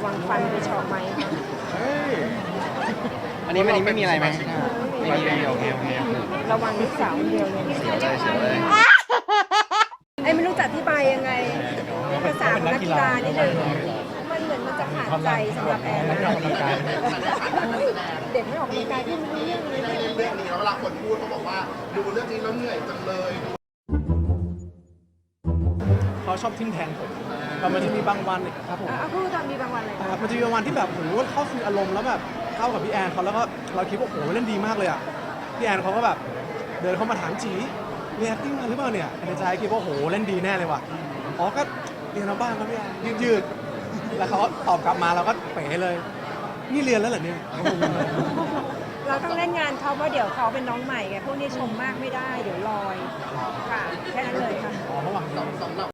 วังฟันไปเฉาะไหมเฮ้ยอันนี้ไม่มีอะไรไหมไม่มีโอเคโอเคระวังลูกสาวคนเดียวเลยเสียวเลยไอ้ไม่รู้จะอธิบายยังไงภาษาของนักกีฬานิดนึงมันเหมือนมันจะขาดใจสำหรับแอนนะเด็กไม่ออกกำลังกายพี่ไม่รู้เรื่องเลยเรื่องนี้แล้วเวลาคนพูดเขาบอกว่าดูเรื่องนี้แล้วเหนื่อยจังเลยเขาชอบทิ่มแทงผมแต่มันจะมีบางวันครับผมพูดตอนมีบางวันเลยมันจะมีบางวันที่แบบโหเข้าคืออารมณ์แล้วแบบเข้ากับพี่แอนเขาแล้วก็เราคิดว่าโอ้โหเล่นดีมากเลยอ่ะพี่แอนเขาก็แบบเดินเข้ามาถามจีเรียน acting มาหรือเปล่าเนี่ยในใจคิดว่าโหเล่นดีแน่เลยว่ะอ๋อก็เรียนมาบ้างครับพี่แอนยืดแล้วเขาตอบกลับมาเราก็เป๋เลยนี่เรียนแล้วเหรอเนี่ยเราต้องเล่นงานเขาเพราะเดี๋ยวเขาเป็นน้องใหม่ไงพวกนี้ชมมากไม่ได้เดี๋ยวลอยค